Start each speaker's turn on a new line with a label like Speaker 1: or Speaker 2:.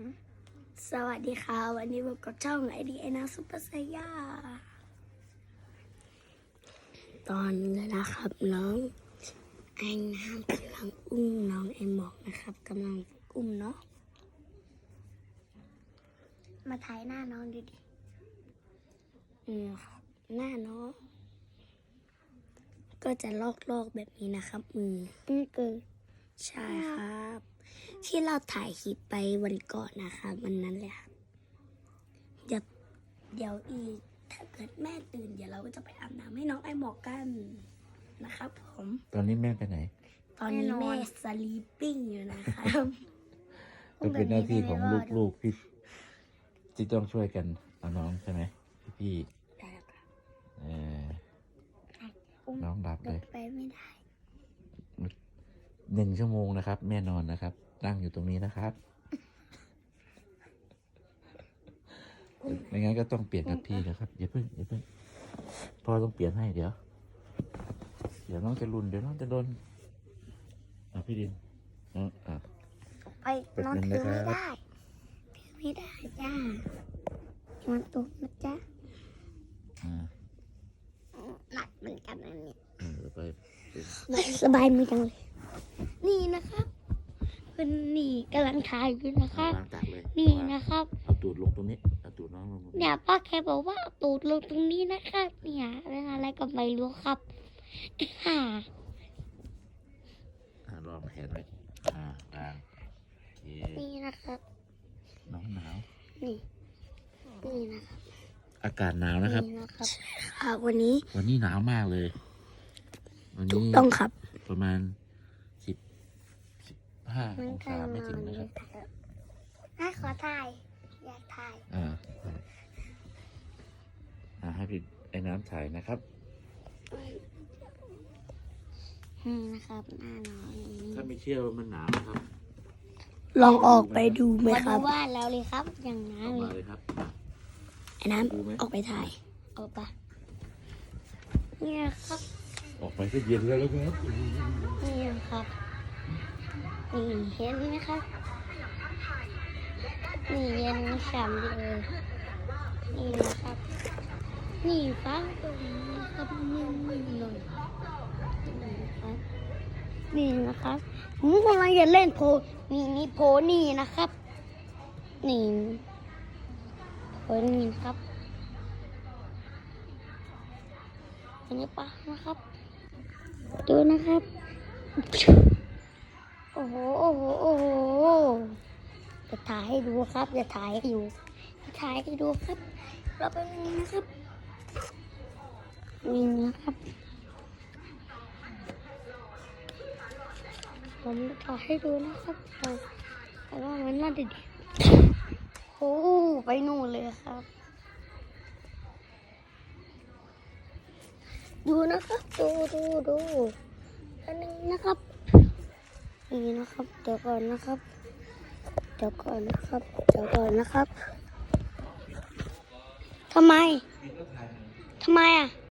Speaker 1: สวัสดีค่ะวันนี้พบกับช่องไอดีไอนาซุปเปอร์ไซย่าตอนนี้นะครับน้องไอน้ำกำลังอุ้มน้องไอหมอกนะครับกำลังอุ้มเนาะมาถ่ายหน้าน้องดูดิครับหน้าน้องก็จะลอกแบบนี้นะครับนี่คือใช่ครับที่เราถ่ายคลิปไปวันก่อนนะครับวันนั้นเลยครับเดี๋ยวอีกถ้าเกิดแม่ตื่นเดี๋ยวเราก็จะไปอาบน้ำให้น้องไอหมอกกันนะครับผม
Speaker 2: ตอนนี้แม่ไปไหน
Speaker 1: ตอนนี้แม่สลีปปิ้งอยู่นะครับ
Speaker 2: ก็เป็นหน้าที่ของลูกๆพี่ที่ต้องช่วยกันเอาน้องใช่ไหมพี่น้องดับเลย
Speaker 1: ไปไม่ได้
Speaker 2: 1 ชั่วโมงนะครับแม่นอนนะครับนั่งอยู่ตรงนี้นะครับไม่งั้นก็ต้องเปลี่ยนกับพี่นะครับอย่าเพิ่งพ่อต้องเปลี่ยนให้เดี๋ยวน้องจะรุนเดี๋ยวน้องจะโดนพี่ดิน
Speaker 1: ไปนอนถือไม่ได้จ้ามันตกนะจ๊ะหนักเหมือนกันอันนี้สบายมือจังเลยนี่นะครับคุณนี่กำลังถ่ายอยู่นะครับนี่นะครับ
Speaker 2: เอาตูดลงตรงนี้เอาตูดน้องลง
Speaker 1: เนี่ยป้าแกบอกว่าเอาตูดลงตรงนี้นะครับเนี่ยอะไรก็ไม่รู้ครับ
Speaker 2: ลองแขนไว้วาง
Speaker 1: นี่นะครับ
Speaker 2: น้องหนาว
Speaker 1: นี่นะครับ
Speaker 2: อากาศหนาวนะครับ
Speaker 1: ใช่ครับวันนี้
Speaker 2: หนาวมากเลยวันนี้
Speaker 1: ต้องครับ
Speaker 2: ประมาณ15 องศาไม่ถึงนะครับ
Speaker 1: ขอถ่ายอยากถ่าย
Speaker 2: ให้พี่ไอ้น้ำถ่ายนะครับ
Speaker 1: นะครับหน้าน้อย
Speaker 2: ถ้าไม่เชื่อว่ามันหนาวนะครับ
Speaker 1: ลองออกไปดูไหมครับว่าแล้วเลยครับอย่างนั้น
Speaker 2: เลยครับ
Speaker 1: ไอ้น้ำออกไปถ่ายออกไปเนี่ยครับ
Speaker 2: ออกไปก็เย็นแล้วครับ
Speaker 1: นี่ครับนี่เห็นไหมครับนี่เย็นฉ่ำเลยนี่นะครับนี่ฟ้าตรงนี้ครับนิ่มๆหน่อยนี่นะครับผมกำลังจะเล่นโพนี่โพนี่นะครับนี่โพนี่ครับอันนี้ปะนะครับดูนะครับโอ้โหจะถ่ายให้ดูครับจะถ่ายให้ดูครับเราไปนี่นะครับนี่นะครับผมจะถ่ายให้ดูนะครับแต่ว่ามันน่าจะดีโอ้ไปนู่นเลยครับดูนะครับดูอันนี้นะครับนี่นะครับเดี๋ยวก่อนนะครับทำไมอ่ะ